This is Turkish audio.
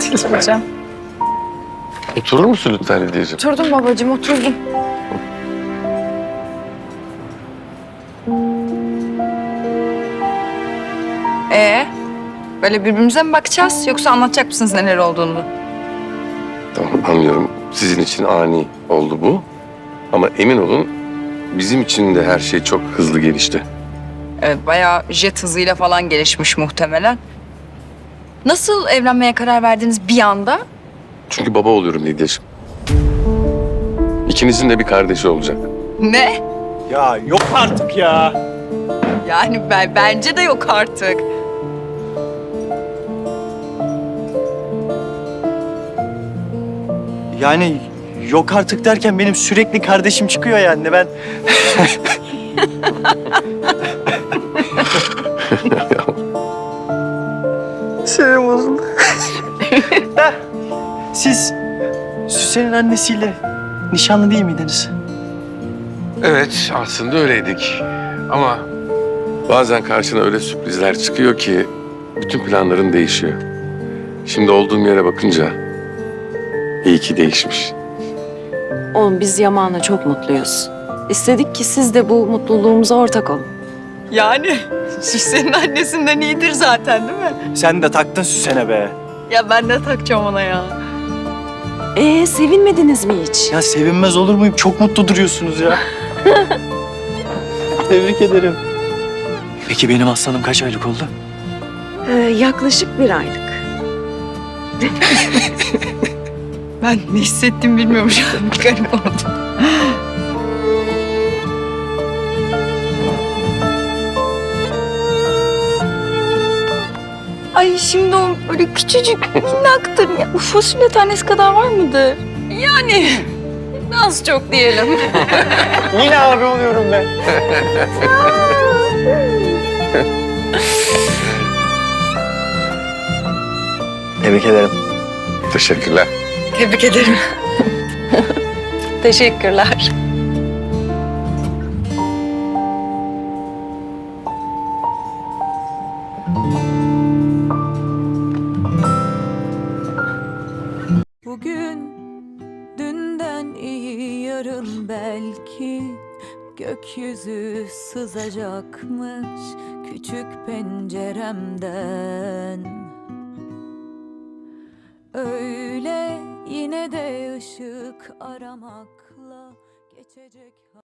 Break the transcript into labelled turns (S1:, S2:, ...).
S1: Geçmeyeceğim.
S2: Oturur musun lütfen Hediyeciğim?
S1: Oturdum babacığım, oturdum. Böyle birbirimize mi bakacağız yoksa anlatacak mısınız neler olduğunu?
S2: Tamam, anlıyorum. Sizin için ani oldu bu. Ama emin olun bizim için de her şey çok hızlı gelişti.
S1: Evet, bayağı jet hızıyla falan gelişmiş muhtemelen. Nasıl evlenmeye karar verdiniz bir anda?
S2: Çünkü baba oluyorum Hediyeciğim. İkinizin de bir kardeşi olacak.
S1: Ne?
S3: Ya yok artık ya.
S1: Yani bence de yok artık.
S3: Yani yok artık derken benim sürekli kardeşim çıkıyor yani. Ben Sinirim bozuldu. Siz Süsen'in annesiyle nişanlı değil miydiniz?
S2: Evet, aslında öyleydik. Ama bazen karşına öyle sürprizler çıkıyor ki bütün planların değişiyor. Şimdi olduğum yere bakınca iyi ki değişmiş.
S4: Oğlum biz Yaman'la çok mutluyuz. İstedik ki siz de bu mutluluğumuza ortak olun.
S1: Yani Süsen'in annesinden iyidir zaten değil mi?
S3: Sen de taktın Süsen'e be.
S1: Ya ben de takacağım ona ya.
S4: Sevinmediniz mi hiç?
S3: Ya sevinmez olur muyum? Çok mutlu duruyorsunuz ya. Tebrik ederim. Peki benim aslanım kaç aylık oldu?
S4: Yaklaşık 1 aylık.
S1: Ben ne hissettim bilmiyorum şu an. Bir garip oldum. Ay şimdi o böyle küçücük minnaktır. Ya, bu fasulye tanesi kadar var mıdır? Yani az çok diyelim.
S3: Yine abi oluyorum ben. Tebrik ederim.
S2: Teşekkürler.
S1: Tebrik ederim.
S4: Teşekkürler.
S5: Bugün dünden iyi yarın belki gökyüzü sızacakmış küçük penceremden. Öyle yine de ışık aramakla geçecek.